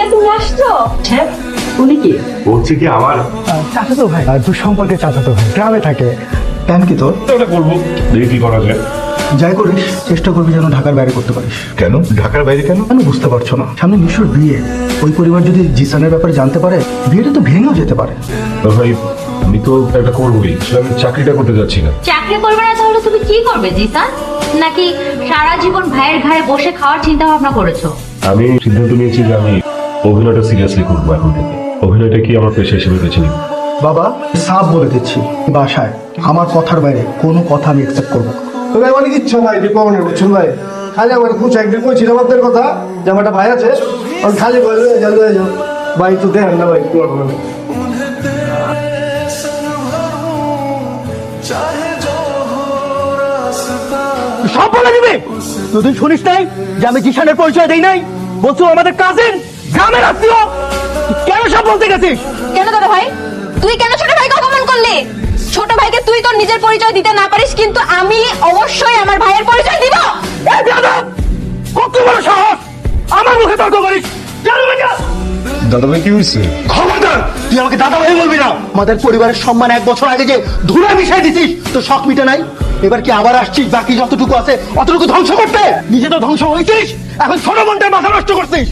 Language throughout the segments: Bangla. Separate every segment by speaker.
Speaker 1: ভাইয়া তুমি আসছো?
Speaker 2: হ্যাঁ, উনি কি?
Speaker 3: বলছি কি আমার
Speaker 4: চাচাতো ভাই, দূর সম্পর্কে চাচাতো ভাই, গ্রামে থাকে। প্ল্যান কি তোর?
Speaker 3: ওটা করবো, দেখি কি করা যায়।
Speaker 4: যাই করিস চেষ্টা করবি যেন ঢাকার বাইরে করতে পারিস।
Speaker 3: কেন ঢাকার বাইরে কেন?
Speaker 4: কেন বুঝতে পারছো না? সামনে নিশোর বিয়ে, ওই পরিবার যদি জিসানের ব্যাপারে জানতে পারে বিয়েটা তো ভেঙেও যেতে পারে।
Speaker 3: তো ভাই আমি তো একটা করবোই, আমি চাকরিটা করতে যাচ্ছি না।
Speaker 1: চাকরি করবে না তাহলে তুমি কি করবে জিসান? নাকি সারা জীবন ভাইয়ের ঘাড়ে বসে খাওয়ার চিন্তা ভাবনা করেছো?
Speaker 3: আমি সিদ্ধান্ত নিয়েছি যে আমি অভিনয়টা সিরিয়াসলি করবো এখন থেকে। অভিনয়টা কি আমার পেশা হিসেবে বেছে নিব।
Speaker 4: বাবা সাফ বলে দিচ্ছি, বাসায় আমার কথার বাইরে কোনো কথা আমি অ্যাকসেপ্ট করবো না।
Speaker 5: তবে অনেক ইচ্ছা ভাই দীপাবনের বুঝছেন ভাই, খালি আমার খুশ একদিন কইছিলাম আপনার কথা যে আমার একটা ভাই আছে, আমি খালি ভাই লয়ে যাও ভাই, তো দেখেন না ভাই
Speaker 4: সব বলে দিবে। তুই শুনিস নাই যে আমি জিসানের পরিচয় দেই নাই? বলছো আমাদের কাজিন, গ্রামের আত্মীয়, কেন সব বলতে গেছিস?
Speaker 1: কেন দাদা ভাই, তুই কেন ছোট ভাইকে অপমান করলি? ছোট ভাইকে তুই তোর নিজের পরিচয় দিতে না পারিস, কিন্তু আমি অবশ্যই আমার ভাইয়ের পরিচয় দিব।
Speaker 4: এই বেয়াদব, কত বড় সাহস আমার মুখে তর্ক করিস?
Speaker 3: দাদা ভাই কি হয়েছে?
Speaker 4: খবরদার, তুই আমাকে দাদা ভাই বলবি না। আমাদের পরিবারের সম্মান 1 বছর আগে যে ধুলা মিশাই দিছিস, তো শখ মিটে নাই? এবার কি আবার আসছিস বাকি যতটুকু আছে অতটুকু ধ্বংস করতে? নিজে তো ধ্বংস হয়েছিস, এখন ছোট বোনটার মাথা নষ্ট করছিস।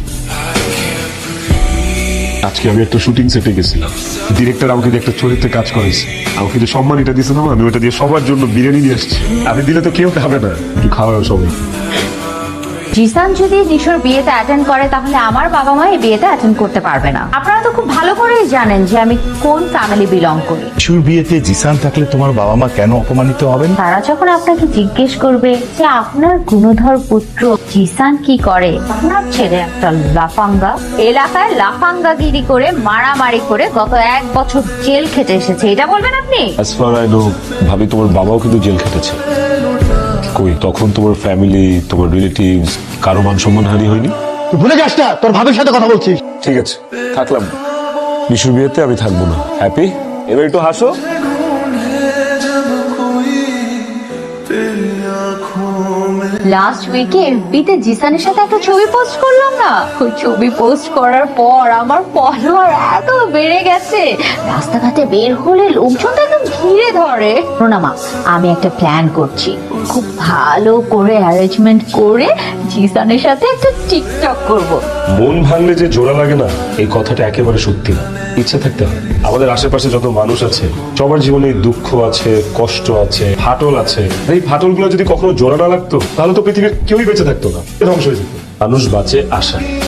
Speaker 3: আজকে আমি একটা শুটিং সেটে গেছিলাম, ডিরেক্টর আমাকে দিয়ে একটা চরিত্রে কাজ করেছে, আমাকে যে সম্মানটা দিয়েছে না, আমি ওটা দিয়ে সবার জন্য বিরিয়ানি নিয়ে আসছি। আমি দিলে তো কেউ খাবে না, একটু খাওয়া সবাই।
Speaker 1: জিসান যদি নিশোর বিয়েতে অ্যাটেন্ড করে তাহলে আমার বাবা মা এই বিয়েতে অ্যাটেন্ড করতে পারবে না। আপনারা তো খুব ভালো করেই জানেন যে আমি কোন ফ্যামিলি বিলং করি।
Speaker 6: নিশুর বিয়েতে জিসান থাকলে তোমার বাবা মা কেন অপমানিত হবেন?
Speaker 1: তারা যখন আপনাকে জিজ্ঞেস করবে যে আপনার গুণধর পুত্র জিসান কি করে, আপনার ছেলে একটা লাফাঙ্গা, এলাকায় লাফাঙ্গাগিরি করে মারামারি করে গত 1 বছর জেল খেটে এসেছে, এটা বলবেন আপনি?
Speaker 3: অ্যাজ ফার আই নো, ভাবি তোমার বাবাও কিন্তু জেল খেটেছে। কই তখন তোমার ফ্যামিলি, তোমার রিলেটিভস কারো মান সম্মান হানি হয়নি?
Speaker 4: তুই ভুলে যাস না তোর ভাবির সাথে কথা বলছিস।
Speaker 3: ঠিক আছে, থাকলাম। নিশুর বিয়েতে আমি থাকবো না। হ্যাপি? এবার একটু হাসো।
Speaker 1: লাস্ট উইকে এফবিতে জিসানের সাথে একটা ছবি পোস্ট করলাম না, ওই ছবি পোস্ট করার পর আমার ফলোয়ার এত বেড়ে গেছে, রাস্তাঘাটে বের হলে লোকজন তো একদম ঘিরে ধরে। প্রণামা, আমি একটা প্ল্যান করছি, খুব ভালো করে অ্যারেঞ্জমেন্ট করে জিসানের সাথে একটা টিকটক করব।
Speaker 3: মন ভাঙলে যে জোড়া লাগে না, এই কথাটা একেবারে সত্যি না। ইচ্ছা থাকতে হয়। আমাদের আশেপাশে যত মানুষ আছে সবার জীবনে দুঃখ আছে, কষ্ট আছে, ফাটল আছে। এই ফাটলগুলো যদি কখনো জোড়া না লাগতো তাহলে তো পৃথিবীর কেউই বেঁচে থাকতো না, ধ্বংস হয়ে যেত। মানুষ বাঁচে আশায়।